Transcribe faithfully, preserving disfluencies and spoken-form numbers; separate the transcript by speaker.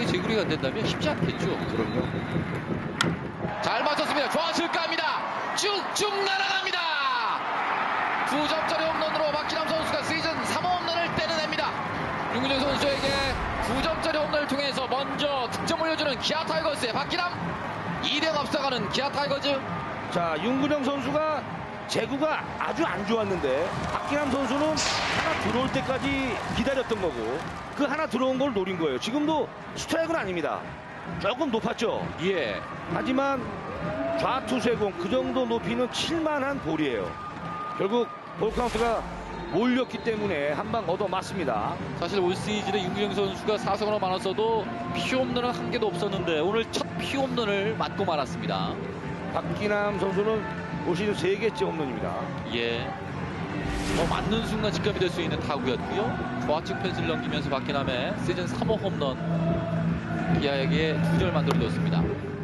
Speaker 1: 만약에 제구리가 안 된다면 쉽지 않겠죠.
Speaker 2: 그럼요.
Speaker 1: 잘 맞췄습니다. 좌측 갑니다. 쭉쭉 날아갑니다. 두 점짜리 홈런으로 박기남 선수가 시즌 삼 호 홈런을 때려냅니다. 윤구정 선수에게 두 점짜리 홈런을 통해서 먼저 득점 올려주는 기아 타이거즈의 박기남, 이 대 영 앞서가는 기아 타이거즈.
Speaker 2: 자, 윤근영 선수가 제구가 아주 안 좋았는데 박기남 선수는 하나 들어올 때까지 기다렸던 거고 그 하나 들어온 걸 노린 거예요. 지금도 스트라이크는 아닙니다. 조금 높았죠.
Speaker 1: 예.
Speaker 2: 하지만 좌투세공 그 정도 높이는 칠만한 볼이에요. 결국 볼 카운트가 몰렸기 때문에 한 방 얻어 맞습니다.
Speaker 1: 사실 올 시즌에 윤구정 선수가 사성으로 많았어도 피홈런은 한 개도 없었는데 오늘 첫 피홈런을 맞고 말았습니다.
Speaker 2: 박기남 선수는 올 시즌 세 개째 홈런입니다.
Speaker 1: 예. 뭐 맞는 순간 직감이 될 수 있는 타구였고요. 좌측 펜스를 넘기면서 박기남의 시즌 삼 호 홈런 기아에게 두 점 만들어줬습니다.